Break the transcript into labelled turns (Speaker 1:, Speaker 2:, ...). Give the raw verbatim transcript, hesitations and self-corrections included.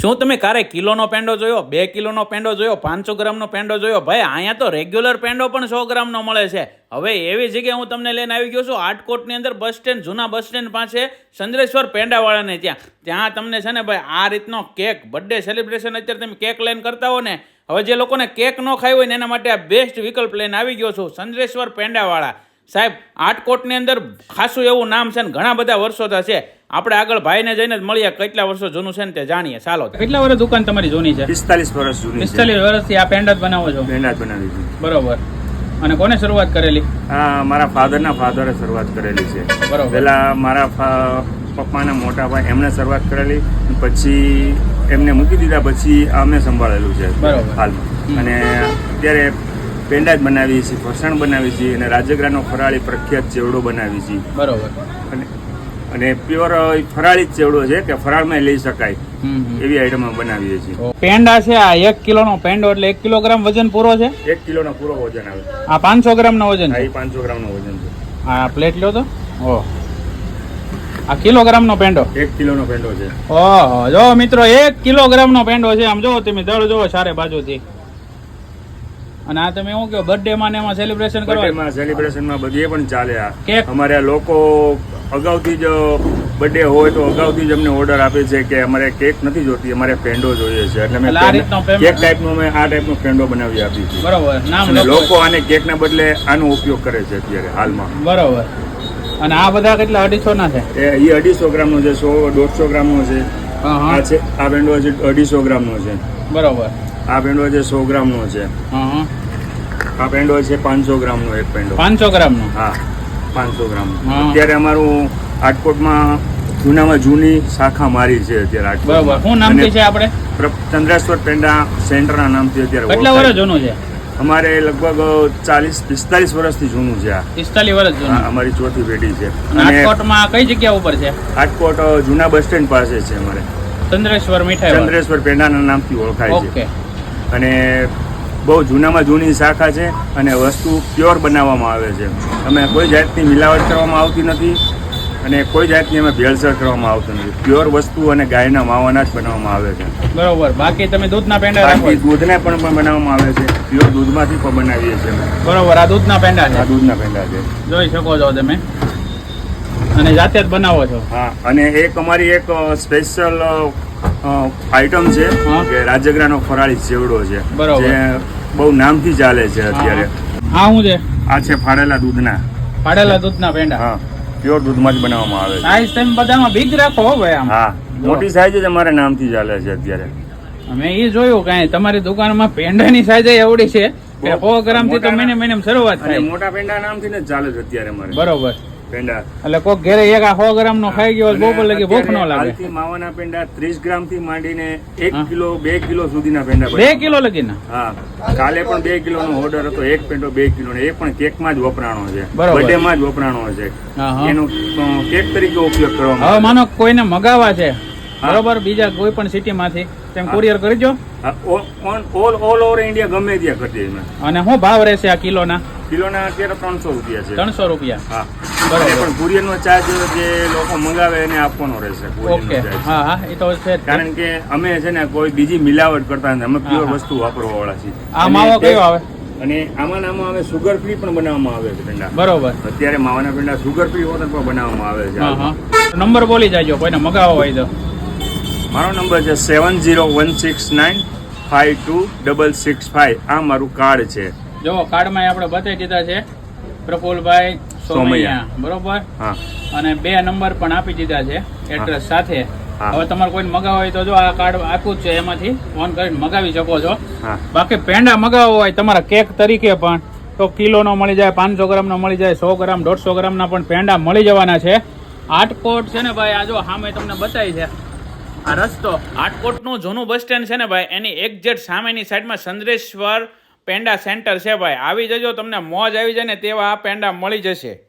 Speaker 1: શું તમે કારે કિલોનો પેંડો જોયો, બે કિલોનો પેંડો જોયો, પાંચસો ગ્રામનો પેંડો જોયો? ભાઈ અહીંયા તો રેગ્યુલર પેંડો પણ સો ગ્રામનો મળે છે. હવે એવી જગ્યાએ હું તમને લઈને આવી ગયો છું આટકોટની અંદર, બસ સ્ટેન્ડ, જૂના બસ સ્ટેન્ડ પાસે ચંદ્રેશ્વર પેંડાવાળાને ત્યાં ત્યાં તમને છે ને ભાઈ આ રીતનો કેક, બર્થડે સેલિબ્રેશન અત્યારે તમે કેક લઈને કરતા હો ને, હવે જે લોકોને કેક ન ખાઈ હોય ને એના માટે આ બેસ્ટ વિકલ્પ લઈને આવી ગયો છું, ચંદ્રેશ્વર પેંડાવાળા. સાહેબ આટકોટની અંદર ખાસું એવું નામ છે ને ઘણા બધા વર્ષો છે. આપણે આગળ ભાઈને જઈને જ મળીએ કેટલા વર્ષો જૂનું છે ને તે જાણીએ. ચાલો, કેટલા વર્ષ દુકાન તમારી જૂની છે?
Speaker 2: પિસ્તાલીસ વર્ષ જૂની.
Speaker 1: પિસ્તાલીસ વર્ષથી આ પેંડા જ બનાવો છો?
Speaker 2: પેંડા જ બનાવી છે.
Speaker 1: બરોબર. અને કોને શરૂઆત કરેલી?
Speaker 2: હા, મારા ફાધરના ફાધરે શરૂઆત કરેલી છે.
Speaker 1: બરોબર.
Speaker 2: પહેલા મારા પપ્પાના મોટા ભાઈ એમણે શરૂઆત કરેલી, પછી એમને મૂકી દીધા, પછી અમે સંભાળેલું છે હાલમાં. અને અત્યારે પેંડા જ બનાવીએ છીએ, ફરસાણ બનાવીએ છીએ અને રાજગરાનો ફરાળી પ્રખ્યાત ચેવડો બનાવીએ છીએ.
Speaker 1: બરોબર.
Speaker 2: અને અને પ્યોર ફરાળી જ ચેવડો છે કે ફરાળમાં લઈ શકાય એવી આઈટમ બનાવીએ છીએ.
Speaker 1: પેંડા છે આ એક કિલોનો પેંડો એટલે એક કિલોગ્રામ વજન પૂરો છે?
Speaker 2: એક કિલોનો પૂરો વજન આવે.
Speaker 1: આ પાંચસો ગ્રામ નો વજન છે?
Speaker 2: પાંચસો ગ્રામ નો વજન છે.
Speaker 1: આ પ્લેટ લ્યો તો. ઓહ, આ કિલોગ્રામ નો પેંડો?
Speaker 2: એક કિલો નો પેંડો છે.
Speaker 1: ઓહો, જો મિત્રો એક કિલોગ્રામ નો પેંડો છે. આમ જો તમે દળ જોવો ચારે બાજુથી. અને આ તમે એવું કહો બર્થડે માં ને એમાં સેલિબ્રેશન કરવા?
Speaker 2: બર્થડે માં સેલિબ્રેશન માં બધીએ પણ ચાલે. આ
Speaker 1: કેક
Speaker 2: અમારે લોકો અગાઉથી જ બર્થડે હોય તો અગાઉથી જ અમને ઓર્ડર આપે છે કે અમારે કેક નથી જોતી, અમારે પેંડો જોઈએ છે, એટલે અમે કેક ટાઈપનો અમે આ ટાઈપનો પેંડો બનાવી આપીએ છીએ.
Speaker 1: બરોબર. નામ
Speaker 2: લોકો આને કેકના બદલે આનો ઉપયોગ કરે છે અત્યારે હાલમાં.
Speaker 1: બરોબર. અને આ બધા કેટલા અઢીસો ના છે?
Speaker 2: એ અઢીસો ગ્રામ નો છે, સો દોઢસો ગ્રામ નો છે. આ છે આ પેંડો છે અઢીસો ગ્રામ નો છે.
Speaker 1: બરોબર.
Speaker 2: આ પેંડો છે સો ગ્રામ નો છે. આ પેંડો છે પાંચસો ગ્રામ નો એક પેંડો. પાંચસો ગ્રામ નો? હા, પાંચસો ગ્રામ. અત્યારે અમારું આટકોટમાં જૂનામાં જૂની શાખા મારી છે અત્યારે.
Speaker 1: બરોબર. શું નામ છે આપણે?
Speaker 2: ચંદ્રેશ્વર પેંડા સેન્ટરના નામથી અત્યારે.
Speaker 1: કેટલા વર્ષ જૂનું છે?
Speaker 2: અમારે લગભગ ચાલીસ પિસ્તાલીસ વર્ષથી જૂનું છે. આ
Speaker 1: પિસ્તાલીસ વર્ષ જૂનું.
Speaker 2: અમારી ચોથી પેઢી છે.
Speaker 1: આટકોટમાં કઈ જગ્યા ઉપર છે?
Speaker 2: આટકોટ જૂના બસ સ્ટેન્ડ પાસે છે અમારે.
Speaker 1: ચંદ્રેશ્વર મીઠાઈ
Speaker 2: ચંદ્રેશ્વર પેંડાના નામથી ઓળખાય છે.
Speaker 1: ઓકે.
Speaker 2: અને બહુ જૂનામાં જૂની શાખા છે અને વસ્તુ પ્યોર બનાવવામાં આવે છે. અમે કોઈ જાતની મિલાવટ કરવામાં આવતી નથી અને કોઈ જાતની અમે ભેળસેળ કરવામાં આવતું નથી. પ્યોર વસ્તુ અને ગાયના માવાના જ બનાવવામાં આવે છે.
Speaker 1: બરોબર. બાકી તમે દૂધના પેંડા રાખો?
Speaker 2: બાકી દૂધના પણ બનાવવામાં આવે છે. પ્યોર દૂધમાંથી પણ બનાવીએ છીએ.
Speaker 1: બરોબર. આ દૂધના પેંડા છે?
Speaker 2: આ દૂધના પેંડા છે.
Speaker 1: જોઈ શકો છો તમે. અને જાતે જ બનાવો છો?
Speaker 2: હા. અને એક અમારી એક સ્પેશિયલ આઈટમ છે કે રાજગરાનો ફરાળી ચેવડો છે.
Speaker 1: બરોબર.
Speaker 2: જે બહુ નામથી ચાલે છે અત્યારે.
Speaker 1: આ શું છે?
Speaker 2: આ છે ફાડેલા દૂધના.
Speaker 1: ફાડેલા દૂધના પેંડા?
Speaker 2: હા, પ્યોર દૂધમાં જ બનાવવામાં આવે છે.
Speaker 1: સાઈઝ તમે બધામાં બિગ રાખો હો ભાઈ. આમ
Speaker 2: હા, મોટી સાઈઝ જ અમારે નામથી ચાલે છે અત્યારે.
Speaker 1: અમે એ જોયું કાંઈ તમારી દુકાનમાં પેંડાની સાઈઝ એવડી છે કે સો ગ્રામ થી તો મહિને મહિને શરૂઆત થાય.
Speaker 2: મોટા પેંડા નામથી જ ચાલે છે અત્યારે અમારે.
Speaker 1: બરોબર.
Speaker 2: પેંડા
Speaker 1: એટલે કોક ઘરે એક આ સો ગ્રામ નો ખાઈ ગયો બહુ લગી ભૂખ ન લાગે.
Speaker 2: હાલથી માવાના પેંડા ત્રીસ ગ્રામ થી માંડીને એક કિલો બે કિલો સુધીના પેંડા.
Speaker 1: બે કિલો લગીના?
Speaker 2: હા, કાલે પણ બે કિલો નો ઓર્ડર હતો. એક પેંડો બે કિલો નો, એ પણ કેક માં જ વપરાણો છે. બર્થડે માં જ વપરાણો છે. એનો કેક તરીકે ઉપયોગ કરવામાં.
Speaker 1: હવે માનો કોઈને મગાવવા છે, બરોબર, બીજા કોઈ પણ સિટી માંથી, તેમ કુરિયર કરજો.
Speaker 2: ઓલ ઓલ ઓવર ઇન્ડિયા ગમે ત્યાં કરી દે.
Speaker 1: અને શું ભાવ રહેશે આ કિલોના?
Speaker 2: કિલોના અત્યારે ત્રણસો રૂપિયા છે.
Speaker 1: ત્રણસો રૂપિયા?
Speaker 2: હા. બરાબર. પણ કુરિયર નો ચાર્જ જે લોકો મંગાવે એને આપવાનો રહેશે.
Speaker 1: ઓકે. હા હા, એ તો છે.
Speaker 2: કારણ કે અમે છે ને કોઈ બીજી મિલાવટ કરતા નથી. અમે પ્યોર વસ્તુ વાપરવા વાળા છીએ.
Speaker 1: આ માવો કયો આવે?
Speaker 2: અને આમાં આમાં હવે સુગર ફ્રી પણ બનાવવામાં આવે છે પેંડા.
Speaker 1: બરોબર.
Speaker 2: અત્યારે માવાના પેંડા સુગર ફ્રી વગર પણ બનાવવામાં આવે છે.
Speaker 1: હા હા. નંબર બોલી જાજો કોઈને મગાવવો હોય તો.
Speaker 2: મારો નંબર છે seven zero one six nine five two double six five. આ મારું કાર્ડ છે.
Speaker 1: જો કાર્ડમાં આપણે બતાવી દીધા છે પ્રફુલભાઈ સોમૈયા, બરોબર. હા. અને બે નંબર પણ આપી દીધા છે એડ્રેસ સાથે. હવે તમારે કોઈ મગાવવા હોય તો જો આ કાર્ડ આપ્યું છે, એમાંથી ફોન કરીને મગાવી શકો છો. બાકી પેંડા મગાવવા હોય તમારા કેક તરીકે પણ તો કિલો નો મળી જાય, પાંચસો ગ્રામ નો મળી જાય, સો ગ્રામ દોઢસો ગ્રામ ના પણ પેંડા મળી જવાના છે. આટકોટ છે ને ભાઈ, આ જો સામે તમને બતાવી છે આ રસ્તો. આટકોટનું જૂનું બસ સ્ટેન્ડ છે ને ભાઈ, એની એક્ઝેક્ટ સામેની સાઈડમાં ચંદ્રેશ્વર પેંડા સેન્ટર છે ભાઈ. આવી જજો, તમને મોજ આવી જાય ને તેવા આ પેંડા મળી જશે.